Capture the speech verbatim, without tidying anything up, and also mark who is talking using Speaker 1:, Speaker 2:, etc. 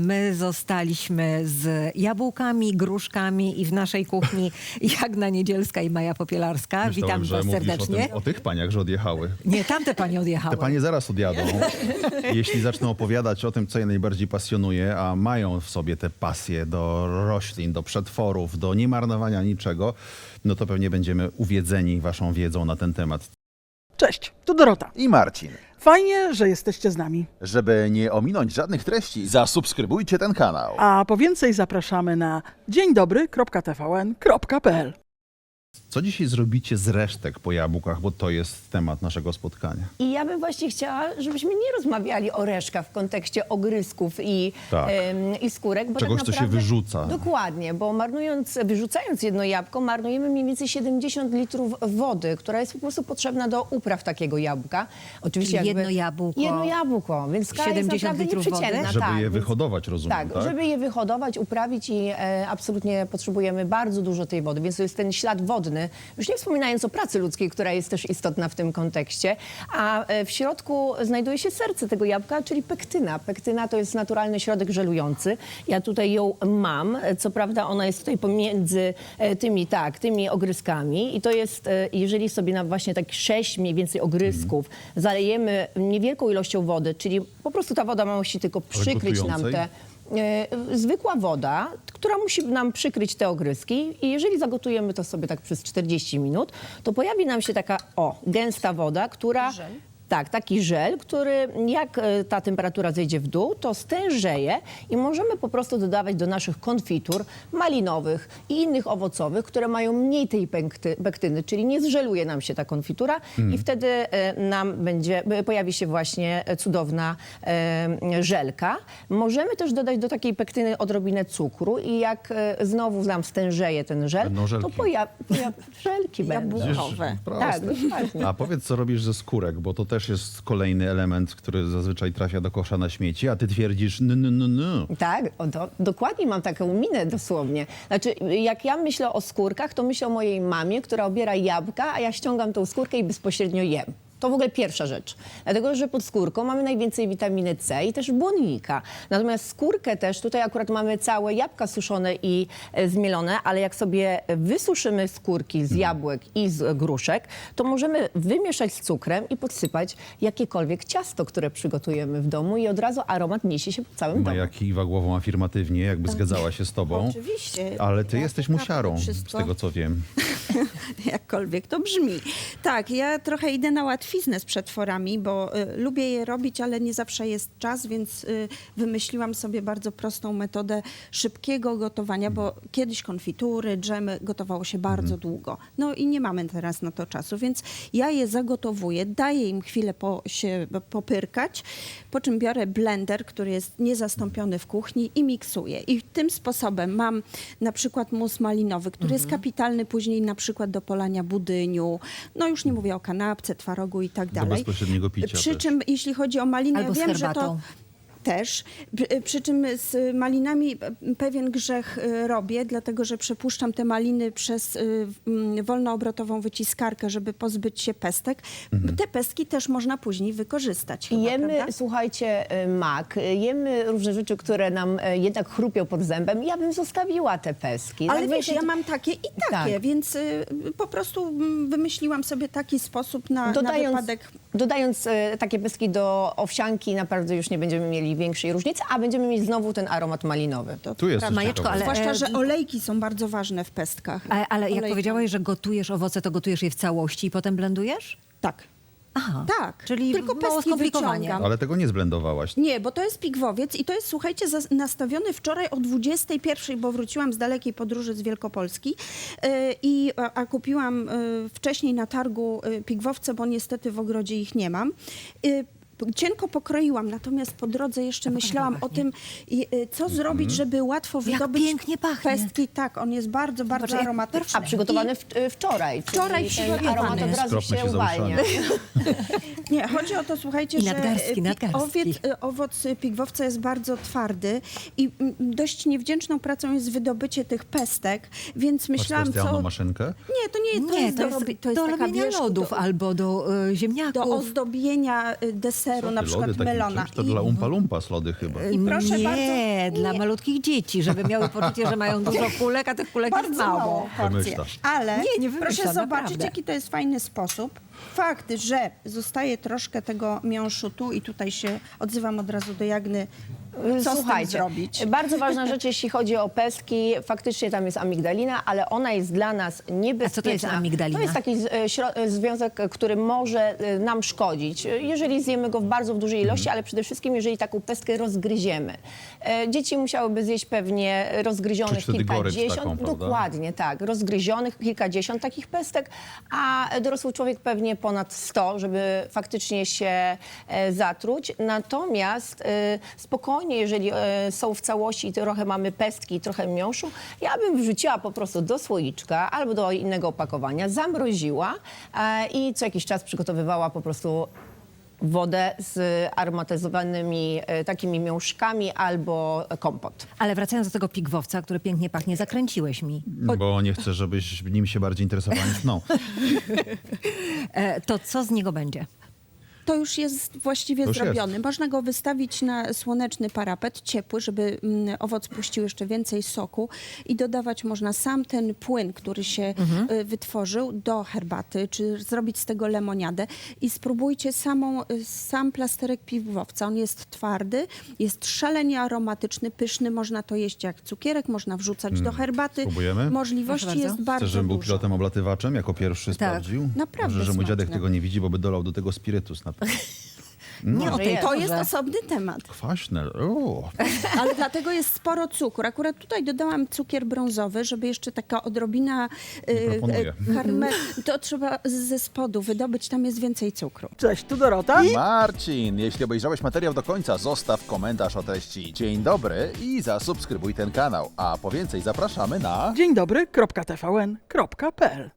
Speaker 1: my zostaliśmy z jabłkami, gruszkami i w naszej kuchni Jagna Niedzielska i Maja Popielarska.
Speaker 2: Myślałem,
Speaker 1: Witam
Speaker 2: że
Speaker 1: was
Speaker 2: mówisz
Speaker 1: serdecznie.
Speaker 2: O, tym, o tych paniach, że odjechały.
Speaker 1: Nie, tamte panie odjechały.
Speaker 2: Te panie zaraz odjadą. Jeśli zaczną opowiadać o tym, co je najbardziej pasjonuje, a mają w sobie te pasje do roślin, do przetworów, do niemarnowania niczego, no to pewnie będziemy uwiedzeni waszą wiedzą na ten temat.
Speaker 3: Cześć, tu Dorota.
Speaker 4: I Marcin.
Speaker 3: Fajnie, że jesteście z nami.
Speaker 4: Żeby nie ominąć żadnych treści, zasubskrybujcie ten kanał.
Speaker 3: A po więcej zapraszamy na dzień dobry kropka t v n kropka p l.
Speaker 2: Co dzisiaj zrobicie z resztek po jabłkach, bo to jest temat naszego spotkania.
Speaker 5: I ja bym właśnie chciała, żebyśmy nie rozmawiali o resztkach w kontekście ogryzków i,
Speaker 2: Tak.
Speaker 5: em, i skórek. Bo
Speaker 2: Czegoś,
Speaker 5: tak
Speaker 2: co się
Speaker 5: naprawdę,
Speaker 2: wyrzuca.
Speaker 5: Dokładnie, bo marnując, wyrzucając jedno jabłko, marnujemy mniej więcej siedemdziesiąt litrów wody, która jest po prostu potrzebna do upraw takiego jabłka. Oczywiście
Speaker 1: Czyli
Speaker 5: jakby,
Speaker 1: jedno jabłko,
Speaker 5: Jedno jabłko, więc skala jest
Speaker 1: siedemdziesiąt
Speaker 5: naprawdę
Speaker 1: litrów wody?
Speaker 5: nieprzeciętna.
Speaker 2: Żeby
Speaker 5: tak,
Speaker 2: je
Speaker 5: więc-
Speaker 2: wyhodować, rozumiem,
Speaker 5: Tak,
Speaker 2: tak?
Speaker 5: żeby je wyhodować, uprawić i e, absolutnie potrzebujemy bardzo dużo tej wody, więc to jest ten ślad wodny, już nie wspominając o pracy ludzkiej, która jest też istotna w tym kontekście, a e, w środku znajduje się serce tego jabłka, czyli pektyna. Pektyna to jest naturalny środek żelujący. Ja tutaj ją mam, e, co prawda ona jest tutaj pomiędzy e, tymi, tak, tymi ogryskami i to jest, e, jeżeli sobie na właśnie tak sześć mniej więcej ogryzków zalejemy niewielką ilością wody, czyli po prostu ta woda ma musi tylko przykryć nam
Speaker 2: gotującej?
Speaker 5: te E, zwykła woda, która musi nam przykryć te ogryski i jeżeli zagotujemy to sobie tak przez czterdzieści minut, to pojawi nam się taka, o, gęsta woda, która... Tak, taki żel, który jak e, ta temperatura zejdzie w dół, to stężeje i możemy po prostu dodawać do naszych konfitur malinowych i innych owocowych, które mają mniej tej pekty, pektyny, czyli nie zżeluje nam się ta konfitura i wtedy e, nam będzie, e, pojawi się właśnie cudowna e, żelka. Możemy też dodać do takiej pektyny odrobinę cukru i jak e, znowu nam stężeje ten żel,
Speaker 2: Będą żelki.
Speaker 5: to pojawi poja żelki będą.
Speaker 1: Jabłkowe.
Speaker 2: Proste.
Speaker 5: Tak, dokładnie.
Speaker 2: A powiedz, co robisz ze skórek, bo to też jest kolejny element, który zazwyczaj trafia do kosza na śmieci, a ty twierdzisz no, no, no, no.
Speaker 5: Tak, o, do, dokładnie mam taką minę dosłownie. Znaczy, jak ja myślę o skórkach, to myślę o mojej mamie, która obiera jabłka, a ja ściągam tą skórkę i bezpośrednio jem. To w ogóle pierwsza rzecz. Dlatego, że pod skórką mamy najwięcej witaminy C i też błonnika. Natomiast skórkę też, tutaj akurat mamy całe jabłka suszone i e, zmielone, ale jak sobie wysuszymy skórki z jabłek i z gruszek, to możemy wymieszać z cukrem i podsypać jakiekolwiek ciasto, które przygotujemy w domu i od razu aromat niesie się po całym domu.
Speaker 2: Maja kiwa głową afirmatywnie, jakby zgadzała się z tobą.
Speaker 6: Oczywiście.
Speaker 2: Ale ty
Speaker 6: Ja
Speaker 2: jesteś
Speaker 6: potrafię
Speaker 2: musiarą,
Speaker 6: wszystko.
Speaker 2: z tego co wiem.
Speaker 6: Jakkolwiek to brzmi. Tak, ja trochę idę na łatwiznę z przetworami, bo y, lubię je robić, ale nie zawsze jest czas, więc y, wymyśliłam sobie bardzo prostą metodę szybkiego gotowania, bo kiedyś konfitury, dżemy gotowało się bardzo długo. No i nie mamy teraz na to czasu, więc ja je zagotowuję, daję im chwilę po, się popyrkać, po czym biorę blender, który jest niezastąpiony w kuchni i miksuję. I tym sposobem mam na przykład mus malinowy, który jest kapitalny później na przykład do polania budyniu, no już nie mówię o kanapce, twarogu i tak
Speaker 2: Do
Speaker 6: dalej.
Speaker 2: bezpośredniego picia
Speaker 6: Przy
Speaker 2: też.
Speaker 6: czym jeśli chodzi o malinę,
Speaker 1: Albo
Speaker 6: ja
Speaker 1: z
Speaker 6: wiem, że to
Speaker 1: herbatą.
Speaker 6: też. Przy, przy czym z malinami pewien grzech y, robię, dlatego że przepuszczam te maliny przez y, mm, wolnoobrotową wyciskarkę, żeby pozbyć się pestek. Te pestki też można później wykorzystać. Chyba,
Speaker 5: Jemy,
Speaker 6: prawda?
Speaker 5: słuchajcie, y, mak, y, jemy różne rzeczy, które nam y, jednak chrupią pod zębem. Ja bym zostawiła te pestki.
Speaker 6: Ale
Speaker 5: Tak,
Speaker 6: wiesz,
Speaker 5: wiecie,
Speaker 6: ja mam takie i takie,
Speaker 5: Tak.
Speaker 6: więc y, po prostu mm, wymyśliłam sobie taki sposób na, na
Speaker 5: Dodając,
Speaker 6: wypadek.
Speaker 5: dodając y, takie pestki do owsianki, naprawdę już nie będziemy mieli większej różnicy, a będziemy mieć znowu ten aromat malinowy.
Speaker 6: To
Speaker 2: Tu jest coś
Speaker 1: Majeczko,
Speaker 2: ciekawego.
Speaker 1: ale-
Speaker 6: Zwłaszcza,
Speaker 1: e,
Speaker 6: że olejki są bardzo ważne w pestkach.
Speaker 1: Ale, ale jak
Speaker 6: Olejki.
Speaker 1: powiedziałaś, że gotujesz owoce, to gotujesz je w całości i potem blendujesz?
Speaker 6: Tak.
Speaker 1: Aha,
Speaker 6: Tak,
Speaker 1: czyli
Speaker 6: tylko
Speaker 1: mało
Speaker 6: pestki
Speaker 1: skomplikowanie.
Speaker 6: wyciągam.
Speaker 2: Ale tego nie zblendowałaś.
Speaker 6: Nie, bo to jest pigwowiec i to jest, słuchajcie, zas- nastawiony wczoraj o dwudziestej pierwszej, bo wróciłam z dalekiej podróży z Wielkopolski yy, i a, a kupiłam yy, wcześniej na targu yy, pigwowce, bo niestety w ogrodzie ich nie mam. Yy, Cienko pokroiłam, natomiast po drodze jeszcze myślałam o tym, i, y, co zrobić, żeby łatwo
Speaker 1: Jak
Speaker 6: wydobyć
Speaker 1: pięknie pachnie.
Speaker 6: pestki. Tak, on jest bardzo, bardzo
Speaker 1: Zobacz, jak
Speaker 6: aromatyczny.
Speaker 5: A przygotowany w, y, wczoraj.
Speaker 6: Wczoraj
Speaker 5: czyli ten
Speaker 6: przygotowany.
Speaker 5: aromat od razu
Speaker 2: Skropmy
Speaker 5: się
Speaker 2: się za
Speaker 5: uwalnia.
Speaker 6: Nie, chodzi o to, słuchajcie,
Speaker 1: I
Speaker 6: że
Speaker 1: nadgarstki,
Speaker 6: pi-
Speaker 1: nadgarstki.
Speaker 6: owiec, y, owoc y, pigwowca jest bardzo twardy i mm, dość niewdzięczną pracą jest wydobycie tych pestek, więc
Speaker 2: Masz
Speaker 6: myślałam,
Speaker 2: specjalną
Speaker 6: co...
Speaker 2: maszynkę?
Speaker 6: Nie, to nie, to
Speaker 1: Nie,
Speaker 6: jest
Speaker 1: to
Speaker 6: do,
Speaker 1: jest,
Speaker 6: robi- to jest
Speaker 1: do
Speaker 6: taka,
Speaker 1: robienia
Speaker 6: wiesz,
Speaker 1: lodów
Speaker 6: do,
Speaker 1: albo do y, ziemniaków.
Speaker 6: do ozdobienia y, deserów. deseru, na
Speaker 2: Ty,
Speaker 6: przykład
Speaker 2: lody takim
Speaker 6: melona.
Speaker 2: czymś? To
Speaker 6: I-
Speaker 2: dla Umpa Lumpas lody chyba.
Speaker 6: I proszę
Speaker 1: nie,
Speaker 6: bardzo-
Speaker 1: dla
Speaker 6: nie.
Speaker 1: malutkich dzieci, żeby miały poczucie, że mają dużo kulek, a tych kulek jest
Speaker 6: Bardzo
Speaker 1: mało.
Speaker 6: mało porcje.
Speaker 2: Wymyślasz.
Speaker 6: Ale
Speaker 1: Nie, nie wymyślam,
Speaker 6: proszę zobaczyć,
Speaker 1: naprawdę.
Speaker 6: jaki to jest fajny sposób. Fakt, że zostaje troszkę tego miąższu tu i tutaj się odzywam od razu do Jagny. Co z tym
Speaker 5: Słuchajcie,
Speaker 6: zrobić?
Speaker 5: bardzo ważna rzecz, jeśli chodzi o pestki, faktycznie tam jest amigdalina, ale ona jest dla nas niebezpieczna.
Speaker 1: A co to jest amigdalina?
Speaker 5: To jest taki z- e, śro- e, związek, e, który może e, nam szkodzić, e, jeżeli zjemy go w bardzo w dużej ilości, ale przede wszystkim, jeżeli taką pestkę rozgryziemy. E, Dzieci musiałyby zjeść pewnie rozgryzionych
Speaker 2: Czuć wtedy gorycz
Speaker 5: kilkadziesiąt,
Speaker 2: taką, prawda?
Speaker 5: dokładnie tak, rozgryzionych kilkadziesiąt takich pestek, a dorosły człowiek pewnie ponad sto, żeby faktycznie się e, zatruć. Natomiast e, spokojnie, jeżeli e, są w całości i trochę mamy pestki i trochę miąższu, ja bym wrzuciła po prostu do słoiczka albo do innego opakowania, zamroziła e, i co jakiś czas przygotowywała po prostu wodę z aromatyzowanymi e, takimi miąższkami albo kompot.
Speaker 1: Ale wracając do tego pigwowca, który pięknie pachnie, zakręciłeś mi.
Speaker 2: Bo nie chcę, żebyś nim się bardziej interesowała niż mną.
Speaker 1: E, to co z niego będzie?
Speaker 6: To już jest właściwie
Speaker 2: To już
Speaker 6: zrobiony.
Speaker 2: jest.
Speaker 6: Można go wystawić na słoneczny parapet, ciepły, żeby mm, owoc puścił jeszcze więcej soku i dodawać można sam ten płyn, który się y, wytworzył do herbaty, czy zrobić z tego lemoniadę i spróbujcie samą, y, sam plasterek piwowca. On jest twardy, jest szalenie aromatyczny, pyszny, można to jeść jak cukierek, można wrzucać do herbaty.
Speaker 2: Spróbujemy?
Speaker 6: Możliwości
Speaker 1: Proszę bardzo.
Speaker 6: jest bardzo
Speaker 2: Chcesz, żebym był
Speaker 6: dużo.
Speaker 2: pilotem oblatywaczem, jako pierwszy sprawdził?
Speaker 6: Naprawdę
Speaker 2: Dobrze, że mój dziadek
Speaker 6: smaczne.
Speaker 2: tego nie widzi, bo by dolał do tego spirytus na pewno.
Speaker 1: Nie o
Speaker 5: Może
Speaker 1: tej
Speaker 5: jest.
Speaker 6: To
Speaker 1: porze.
Speaker 6: jest osobny temat.
Speaker 2: Kwaśne. O.
Speaker 6: Ale dlatego jest sporo cukru. Akurat tutaj dodałam cukier brązowy, żeby jeszcze taka odrobina y,
Speaker 2: proponuję.
Speaker 6: y, karme... To trzeba z- ze spodu wydobyć, tam jest więcej cukru.
Speaker 3: Cześć, tu Dorota.
Speaker 4: Marcin, jeśli obejrzałeś materiał do końca, zostaw komentarz o treści dzień dobry i zasubskrybuj ten kanał. A po więcej zapraszamy na...
Speaker 3: Dzień dobry, kropka T V N, kropka P L.